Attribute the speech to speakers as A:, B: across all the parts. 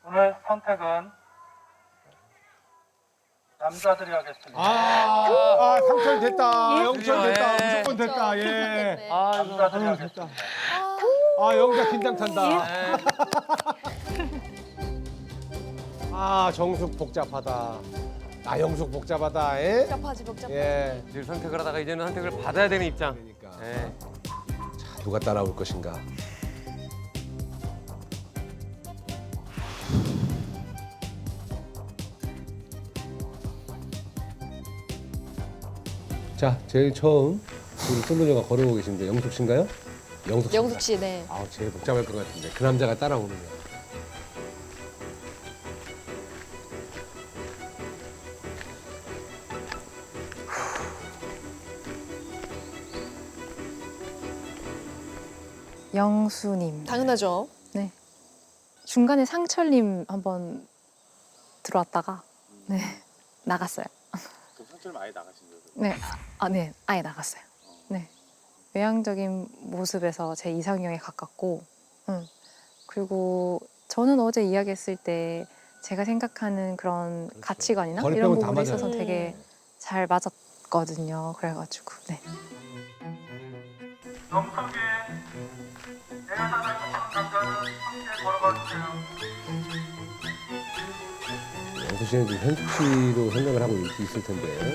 A: 오늘 선택은 남자들이 하겠습니다.
B: 상철 됐다. 영철 됐다.
C: 예.
B: 무조건 됐다. 예.
A: 남자들이
B: 아,
A: 하겠습니다.
B: 됐다. 영자 긴장 탄다. 정숙 복잡하다. 영숙 복잡하다. 예?
D: 복잡하지 복잡하지.
B: 예.
C: 늘 선택을 하다가 이제는 선택을 받아야 되는 입장.
B: 그러니까.
C: 예.
B: 자, 누가 따라올 것인가? 자, 제일 처음 우리 솔로녀가 걸어오고 계신데 영숙 씨인가요? 영숙 씨.
D: 영숙 씨, 네.
B: 제일 복잡할 것 같은데 그 남자가 따라오는 거야.
E: 영수님.
D: 당연하죠.
E: 네. 중간에 상철님 한번 들어왔다가 네 나갔어요.
F: 그럼 상처를 아예 나가신 거예요?
E: 네, 네, 아예 나갔어요. 네, 외향적인 모습에서 제 이상형에 가깝고, 그리고 저는 어제 이야기했을 때 제가 생각하는 그런 가치관이나 이런
B: 거리병은 다
E: 부분에 있어서
D: 맞아요.
E: 되게 잘 맞았거든요. 그래가지고 네.
A: 영석이 내 여자 닮은 남자는 함께 걸어가주세요.
B: 영숙 씨는 지금 현숙 씨로 생각을 하고 있을 텐데.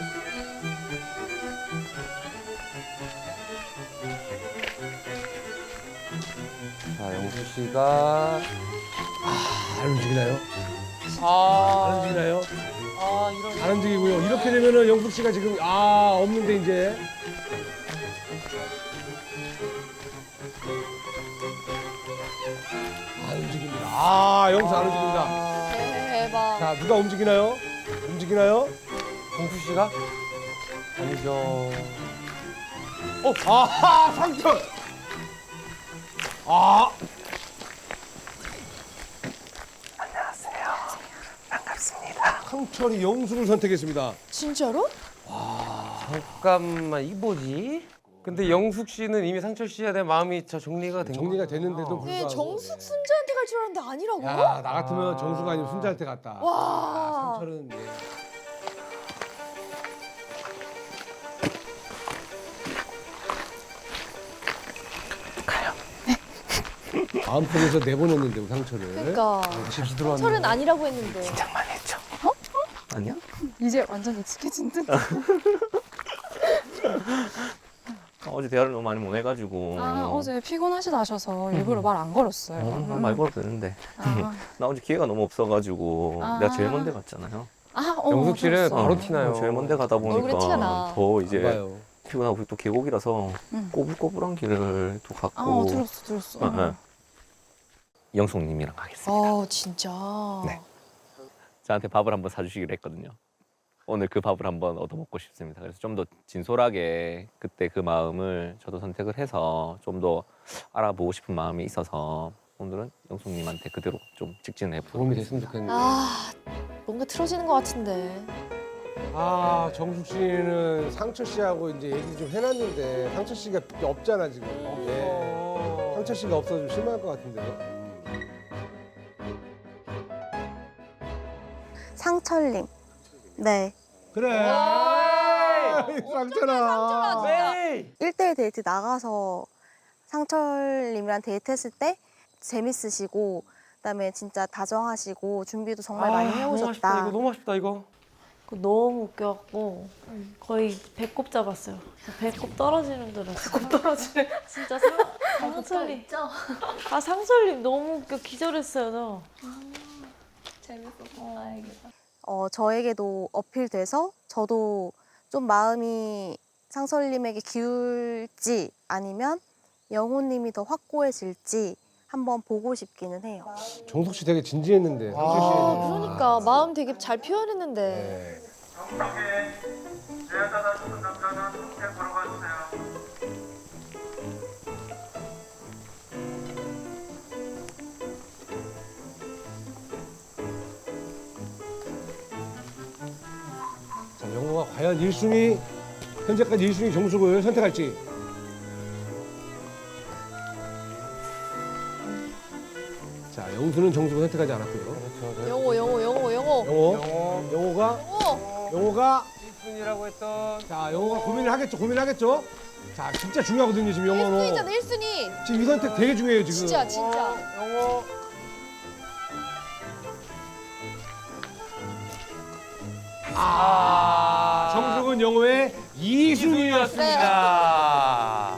C: 자, 영수 씨가
B: 안 움직이나요? 안
C: 아,
B: 움직이나요?
C: 이런.
B: 안 움직이고요. 이렇게 되면은 영숙 씨가 지금 없는데 이제. 안 움직입니다. 영숙 안 움직입니다.
D: 대박.
B: 자, 누가 움직이나요? 움직이나요?
C: 영수 씨가 아니죠.
B: 상철! 상철이 영숙을 선택했습니다.
D: 진짜로?
C: 잠깐만, 이 뭐지? 근데 영숙 씨는 이미 상철 씨에 대한 마음이 정리가 된
B: 정리가
C: 거구나.
B: 됐는데도
D: 네,
B: 불구하고.
D: 정숙 순자한테 갈 줄 알았는데 아니라고?
B: 야, 나 같으면 정수가 아니면 순자한테 갔다.
D: 와.
B: 상철은 예. 마음속에서 내보냈는데 우리 상철을.
D: 그러니까
C: 다시 들어왔네.
D: 철은 아니라고 했는데.
C: 긴장만 했죠. 아니야?
E: 이제 완전 익숙해진 듯.
F: 어제 대화를 너무 많이 못 해가지고.
E: 어제 피곤하시다 하셔서 일부러 말 안 걸었어요.
F: 말 걸어도 되는데.
E: 아,
F: 나 어제 기회가 너무 없어가지고.
E: 아.
F: 내가 제일 먼데 갔잖아요.
C: 영숙 씨는
E: 들었어.
C: 바로 티나요.
F: 제일 먼데 가다
D: 얼굴에
F: 보니까
D: 티가 나.
F: 더 이제
B: 봐요.
F: 피곤하고 또 계곡이라서 꼬불꼬불한 길을 또 갔고.
E: 들었어.
F: 영숙님이랑 가겠습니다.
D: 진짜.
F: 네. 저한테 밥을 한번 사주시기로 했거든요. 오늘 그 밥을 한번 얻어먹고 싶습니다. 그래서 좀 더 진솔하게 그때 그 마음을 저도 선택을 해서 좀 더 알아보고 싶은 마음이 있어서 오늘은 영숙님한테 그대로 좀 직진해
B: 도움이
F: 보도록
B: 됐으면 좋겠는데.
D: 뭔가 틀어지는 것 같은데.
B: 정숙 씨는 상철 씨하고 이제 얘기 좀 해놨는데 상철 씨가 없잖아 지금. 예. 상철 씨가 없어서 좀 실망할 것 같은데요.
G: 상철님. 네.
B: 그래. 상철아.
C: 네.
G: 1대1 데이트 나가서 상철님이랑 데이트했을 때 재밌으시고 그다음에 진짜 다정하시고 준비도 정말 많이
C: 너무 아쉽다,
G: 해오셨다.
C: 이거 너무 아쉽다, 이거.
H: 너무 웃겨갖고 거의 배꼽 잡았어요. 배꼽 떨어지는 줄 알았어요. 배꼽 떨어지는. 진짜 상철님. 상철님 너무 웃겨 기절했어요. 저.
G: 저에게도 어필돼서 저도 좀 마음이 상철님에게 기울지 아니면 영호님이 더 확고해질지 한번 보고 싶기는 해요.
B: 정숙 씨 되게 진지했는데 상철 씨에 대해서.
D: 그러니까 마음 되게 잘 표현했는데.
B: 네.
A: 영석이 내 여자 닮은 남자는 함께 걸어가주세요.
B: 자, 영호가 과연 1순위 현재까지 1순위 정숙을 선택할지. 자, 영숙 점수는 정수가 선택하지 않았고요.
C: 그렇죠.
D: 영호.
B: 영호가
C: 1순위라고 했던
B: 자 영호가 고민하겠죠. 자 진짜 중요하거든요 지금 영호는.
D: 1순위잖아 1순위.
B: 지금 이 선택 되게 중요해요 지금.
D: 진짜.
C: 영호.
B: 정숙은 영호의 2순위였습니다.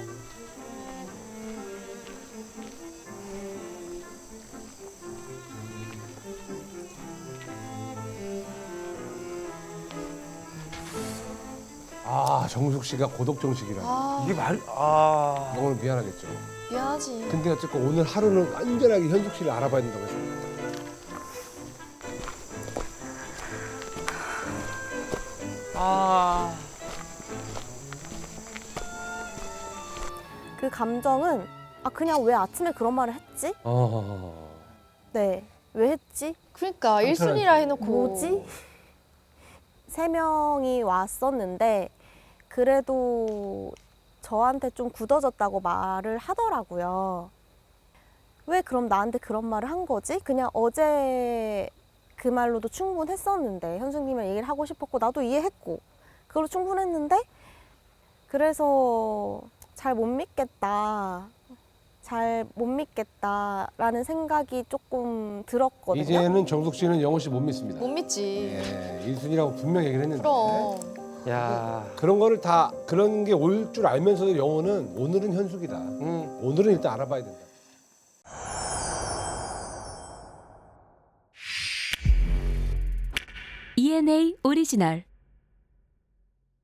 B: 정숙 씨가 고독 정식이라.
C: 이게
B: 영호는 미안하겠죠.
D: 미안하지.
B: 근데 어쨌건 오늘 하루는 완전하게 현숙 씨를 알아봐야 된다고 했습니다.
G: 그 감정은 그냥 왜 아침에 그런 말을 했지? 네, 왜 했지?
D: 그러니까 1순위라 해놓고.
G: 뭐지? 3명이 왔었는데 그래도 저한테 좀 굳어졌다고 말을 하더라고요. 왜 그럼 나한테 그런 말을 한 거지? 그냥 어제 그 말로도 충분했었는데 현숙님이랑 얘기를 하고 싶었고 나도 이해했고 그걸로 충분했는데 그래서 잘 못 믿겠다라는 생각이 조금 들었거든요.
B: 이제는 정숙 씨는 영호 씨 못 믿습니다.
D: 못 믿지.
B: 예, 1순위라고 분명히 얘기를 했는데.
D: 그럼.
C: 야.
B: 그런 거를 다 그런 게 올 줄 알면서도 영호는 오늘은 현숙이다. 오늘은 일단 알아봐야 된다.
I: ENA 오리지널